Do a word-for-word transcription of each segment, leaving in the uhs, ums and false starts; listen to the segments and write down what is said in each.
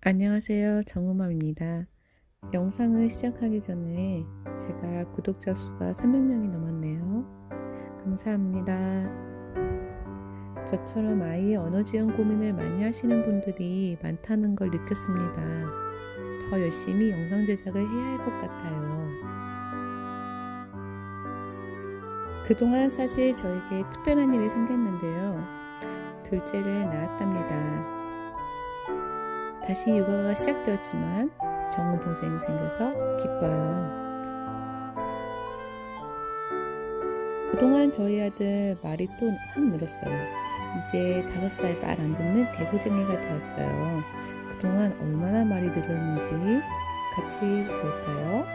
안녕하세요. 정우맘입니다. 영상을 시작하기 전에 제가 구독자 수가 삼백 명이 넘었네요. 감사합니다. 저처럼 아이의 언어 지원 고민을 많이 하시는 분들이 많다는 걸 느꼈습니다. 더 열심히 영상 제작을 해야 할 것 같아요. 그동안 사실 저에게 특별한 일이 생겼는데요. 둘째를 낳았답니다. 다시 육아가 시작되었지만 정우 동생이 생겨서 기뻐요. 그동안 저희 아들 말이 또 확 늘었어요. 이제 다섯 살 말 안 듣는 개구쟁이가 되었어요. 그동안 얼마나 말이 늘었는지 같이 볼까요?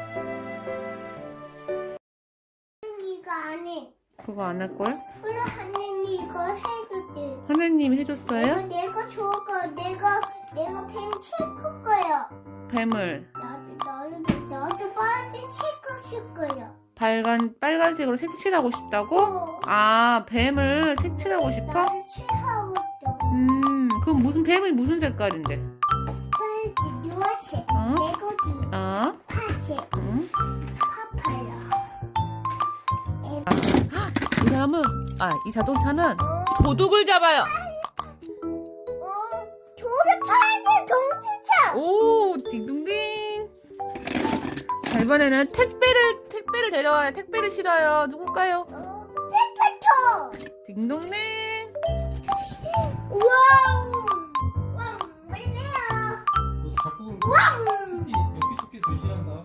이거 안 해. 그거 안 할 거야? 그래, 하느님 이거 해줄게. 하나님이 해줬어요? 이거 내가 줘가 내가 내가 펜 체크 거야. 뱀을 나도 나도 나도 빨리 체크할 거야. 빨간 빨간색으로 색칠하고 싶다고? 어, 아, 뱀을 색칠하고 싶어? 나도 체하고 있어. 음, 그럼 무슨 뱀이 무슨 색깔인데? 빨리 누아체, 어? 개고지, 어? 파체, 응? 파파야. 이 사람은 아, 이 자동차는 어, 도둑을 잡아요. 어, 돌을 파는 동지차. 오, 딩동댕. 자, 이번에는 택배를 택배를 데려와요. 택배를 실어요. 누굴까요? 어, 페퍼토. 딩동댕. 와우. 와우, 왜래요? 너 자꾸 와우. 토끼 여기 토끼 변신한다.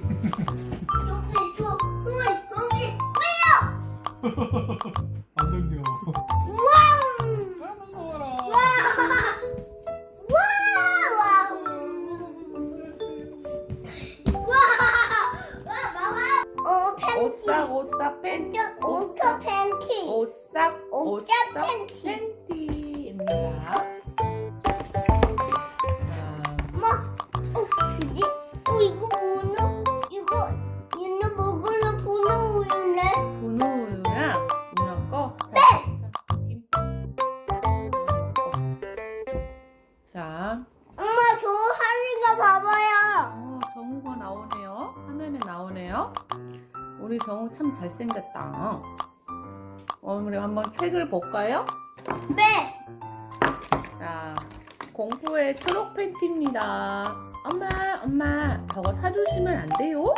여기 저 흥을 흥이 왜요? 안 정겨. 와우. 아 무서워라. 와우. 어, 팬티. 오싹 오싹 팬티. 오토 팬티. 오싹 오싹 오싹 팬티. 팬티입니다. 자, 엄마, 어, 그지? 어, 이거 보노? 이거 얘네 먹으러 보노 우유네? 분우 우유야. 누나 거. 네. 자, 엄마, 저 하는 거 봐봐요. 어, 정우가 나오네요. 화면에 나오네요. 우리 정우 참 잘생겼다. 어, 우리 한번 책을 볼까요? 네. 자, 공포의 초록 팬티입니다. 엄마, 엄마, 저거 사주시면 안 돼요?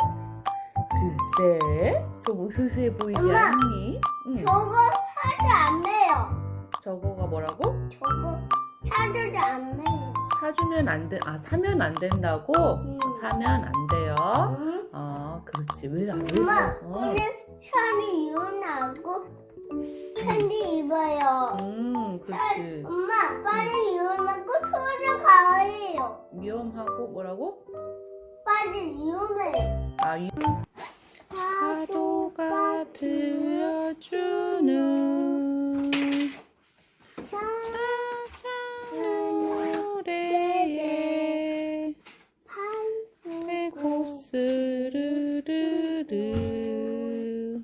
글쎄, 좀 으스스해 보이지 엄마. 않니? 응. 저거 하도 안 매요. 저거가 뭐라고? 저거 하도 안 매요. 사주면 안 돼. 아, 사면 안 된다고? 응. 사면 안 돼요. 응? 아, 그렇지. 왜 안 돼? 엄마, 어. 오늘 살이 일어나고 편지 입어요. 음, 그렇지. 엄마, 빨리 일어나고 들어가요. 위험하고 뭐라고? 빨리 일어나요. 아, 위... 파도가 들려주는 차차는 노래에 배고 스르르르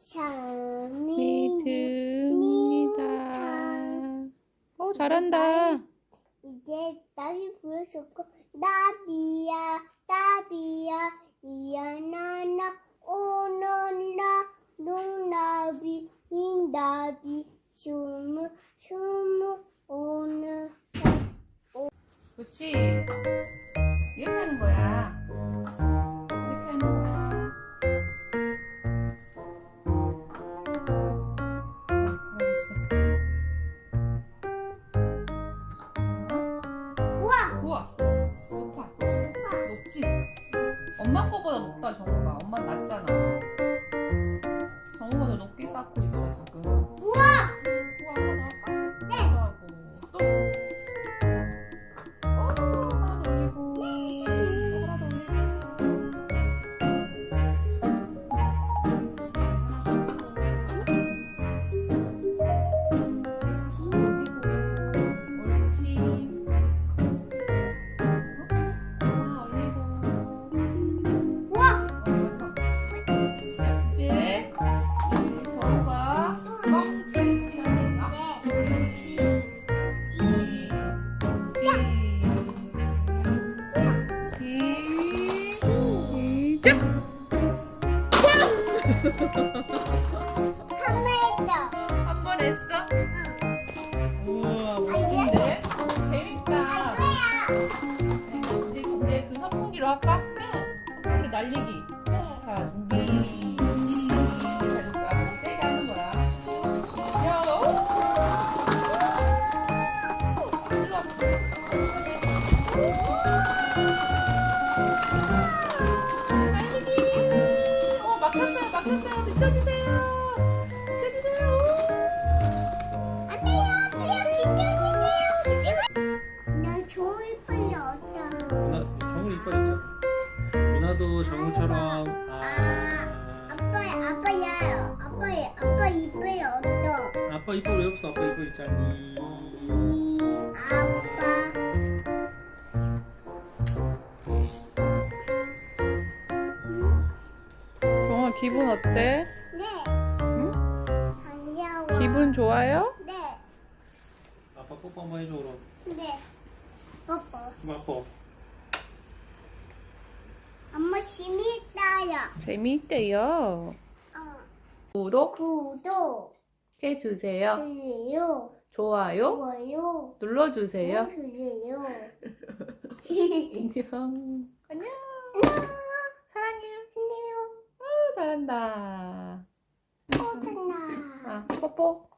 참이 믿습니다. 어, 잘한다. 이제 나비 부르셨고 나비야 나비야 이야나나 오너나 농나비 흰나비 슈무 슈무 오늘 그렇지. 이렇게 하는 거야. 이렇게 하는 거야. 우와 우와, 높아. 높지? 엄마 거보다 높다, 정우가. 엄마 낮잖아. 정우가 더 높게 쌓고 있어, 지금. 우와 우와, 하나 더 할까? 네. 하고 또. 어, 하나 더 올리고. 또 하나 더 올리고. 옳지. 하나 올리고. 우와 어, 마지막. 이제 날리기. 네. 자, 준비. 잘했다. 세게 하는 거야. 야, 오! 일로 와. 날리기. 어, 막혔어요, 막혔어요. 비켜주세요. 비켜주세요. 안 돼요, 안 돼요, 기다리세요. 나 좋을 뿐이 없다. 누나 정우 이뻐졌죠? 누나도 정우처럼 아, 아 아빠, 아빠야, 아빠, 아빠 이빨 없어. 아빠 이뻐 왜 없어? 아빠 이뻐 있잖니. 이 아빠. 정아, 기분 어때? 네. 응? 반가워. 기분 좋아요? 네. 아빠 뽀뽀 한번 해줘 그럼. 네. 뽀뽀. 그럼 아빠. 엄마 재밌다요. 재미있대요. 어. 구독 구독. 해주세요. 그래요. 좋아요 좋아요. 눌러주세요. 그래요. 안녕. 안녕. 사랑해요. 안녕. 어, 잘한다. 뽀뽀나. 아, 뽀뽀.